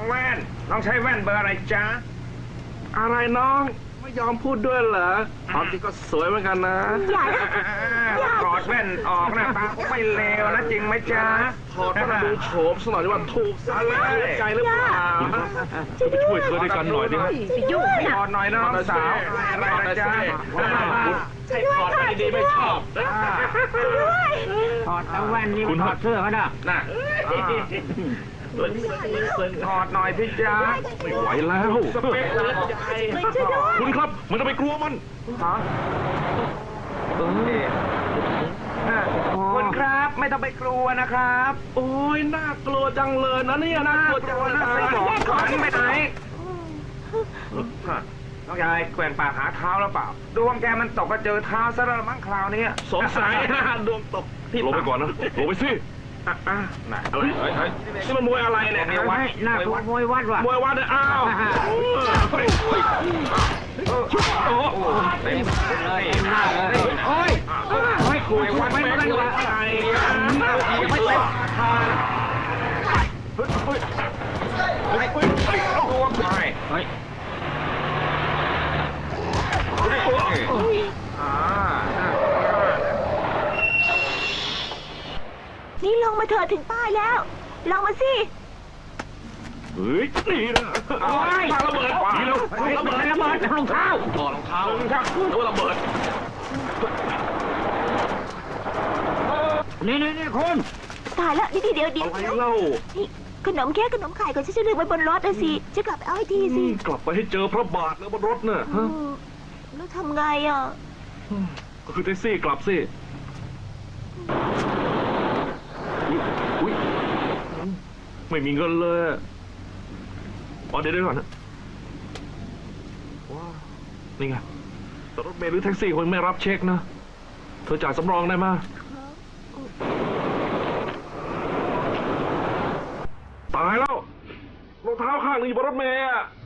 แว่นน้องใช้แว่นเบอร์อะไรจ๊ะอะไรน้องไม่ยอมพูดด้วยเหรอความจริงก็สวยเหมือนกันนะอย่านะถอดแว่นออกนะตาไม่เลวนะจริงไหมจ๊ะถอดมาดูโฉมสักหน่อยดีว่าถูกอะไรใจหรือเปล่าจะไปช่วยเธอด้วยกันหน่อยดิฮะไปยุ่งถอดหน่อยน้องสาวอะไรนะจ๊ะใช่ถอดไปดีไม่ชอบถอดเอาแว่นนี่ถอดเสื้อเขาน่ะน่ะถอดหน่อยพี่จ๊ะไม่ไหวแล้วสเปคเลยใจคุณครับมันจะไปกลัวมันคุณครับไม่ต้องไปกลัวนะครับโอ้ยน่ากลัวจังเลยนะเนี่ยน่ากลัวจังเลยไม่บอกขวัญไปไหนน้องยายแกว่งปากหาเท้าแล้วเปล่าดวงแกมันตกก็เจอเท้าซะแล้วมั้งคราวนี้สงสัยดวงตกที่ลงไปก่อนนะลงไปสิน่ะอะไรนี่มันมวยอะไรเนี่ยหน้ากลัวมวยวัดว่ะมวยวัดเนี่ยอ้าวโอ้เต็มเลยหน้าเลยโอ้ยโอ้ยคุยวัดไม่ได้ว่ะอะไรไม่เต็มทางดวงไปเฮ้ยนี่ลงมาเถอะถึงป้ายแล้ว ลงมาสิเฮ้ยนี่นะโอ้ยระเบิดนี่เราระเบิดรองเท้าถอดรองเท้าแล้วระเบิดนี่คุณตายแล้วนี่เดี๋ยวอะไรเล่านี่ขนมเค้กขนมไข่ก่อนฉันจะลืมไว้บนรถนะสิจะกลับไปเอาให้ทีสิกลับไปให้เจอพระบาทแล้วบนรถน่ะอืมแล้วทำไงอ่ะก็คือแท็กซี่กลับสิอุ๊ยไม่มีเงินเลยอ๋อเดี๋ยวก่อนนะว้าวนี่ไงแต่รถเมล์หรือแท็กซี่คงไม่รับเช็คนะเธอจ่ายสำรองได้ไหมตายแล้วรองเท้าข้างหนึงอยู่บนรถเมล์อะ